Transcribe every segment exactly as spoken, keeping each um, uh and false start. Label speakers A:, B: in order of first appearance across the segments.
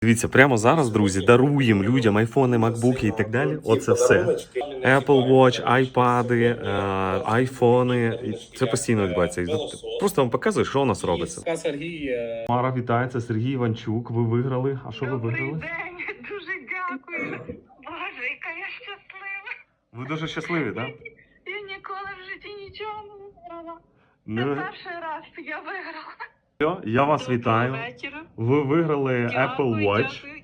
A: Дивіться, прямо зараз, друзі, даруємо людям айфони, макбуки і так далі. Оце все. Apple Watch, айпади, е, айфони. І це постійно відбувається. І просто вам показую, що у нас робиться.
B: Сергій.
A: Мара, вітається, Сергій Іванчук. Ви виграли. А що ви виграли?
C: Добрий день, дуже дякую. Боже, яка я щаслива.
A: Ви дуже щасливі, так?
C: Я ніколи в житті нічого не виграла. Це
A: Ну,
C: перший раз я виграла.
A: все, я вас вітаю.
C: Доброго вечора.
A: Ви виграли
C: Дякую,
A: Apple Watch.
C: дякую.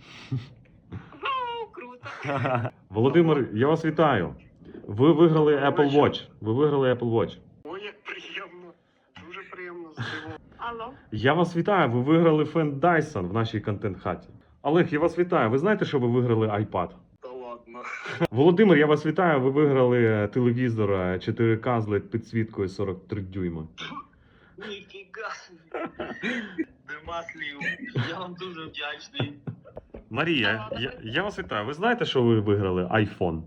C: Вау, круто.
A: Володимир, я вас вітаю. Ви виграли Apple Watch. Ви виграли Apple Watch.
D: Ой, як приємно. Дуже приємно здивовано.
C: Алло.
A: Я вас вітаю. Ви виграли фен Dyson в нашій контент-хаті. Олег, я вас вітаю. Ви знаєте, що ви виграли iPad?
D: Та ладно.
A: Володимир, я вас вітаю. Ви виграли телевізор чотири ка з лед підсвіткою сорок три дюйма.
D: Ніфіга собі. Нема слів. Я вам дуже вдячний.
A: Марія, я, я вас вітаю. Ви знаєте, що ви виграли iPhone?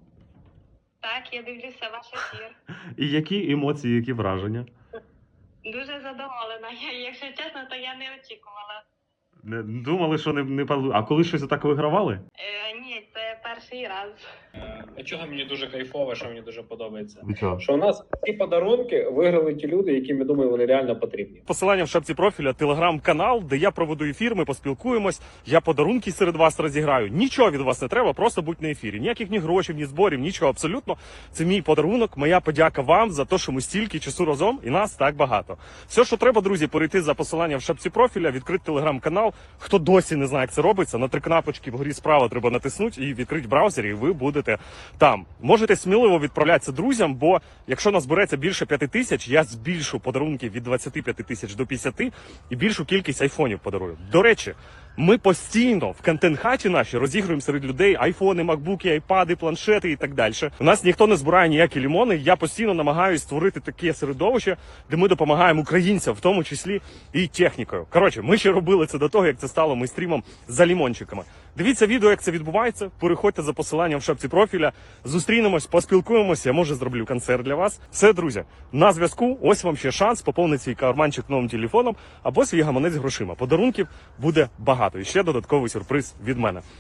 C: Так, я дивлюся ваш ефір.
A: І які емоції, які враження?
C: Дуже задоволена. Я, якщо чесно, то я не очікувала.
A: Не думали, що не, не пал- А коли щось так вигравали?
C: Е, ні, це перший раз.
B: А чого мені дуже кайфово, що мені дуже подобається?
A: Від чого?
B: Що у нас ці подарунки виграли ті люди, яким, я думаю, вони реально потрібні.
A: Посилання в шапці профіля, телеграм-канал, де я проведу ефір, ми поспілкуємось, я подарунки серед вас розіграю. Нічого від вас не треба, просто будь на ефірі. Ніяких ні грошей, ні зборів, нічого абсолютно. Це мій подарунок, моя подяка вам за те, що ми стільки часу разом і нас так багато. Все, що треба, друзі, перейти за посиланням в шапці профіля, відкрити телеграм-канал. Хто досі не знає, як це робиться, на три кнопочки вгорі справа треба натиснути і відкрити браузер, і ви будете там. Можете сміливо відправлятися друзям, бо якщо нас збереться більше п'яти тисяч, я збільшу подарунки від двадцяти п'яти тисяч до п'ятдесяти і більшу кількість айфонів подарую. До речі, ми постійно в контент-хаті наші розігруємо серед людей айфони, макбуки, айпади, планшети і так далі. У нас ніхто не збирає ніякі лімони. Я постійно намагаюся створити таке середовище, де ми допомагаємо українцям, в тому числі і технікою. Коротше, ми ще робили це до того, як це стало мейстрімом за лімончиками. Дивіться відео, як це відбувається. Переходьте за посиланням в шапці профіля. Зустрінемось, поспілкуємося. Я може зроблю концерт для вас. Все, друзі, на зв'язку. Ось вам ще шанс поповнити свій карманчик новим телефоном або свій гаманець грошима. Подарунків буде багато. І ще додатковий сюрприз від мене.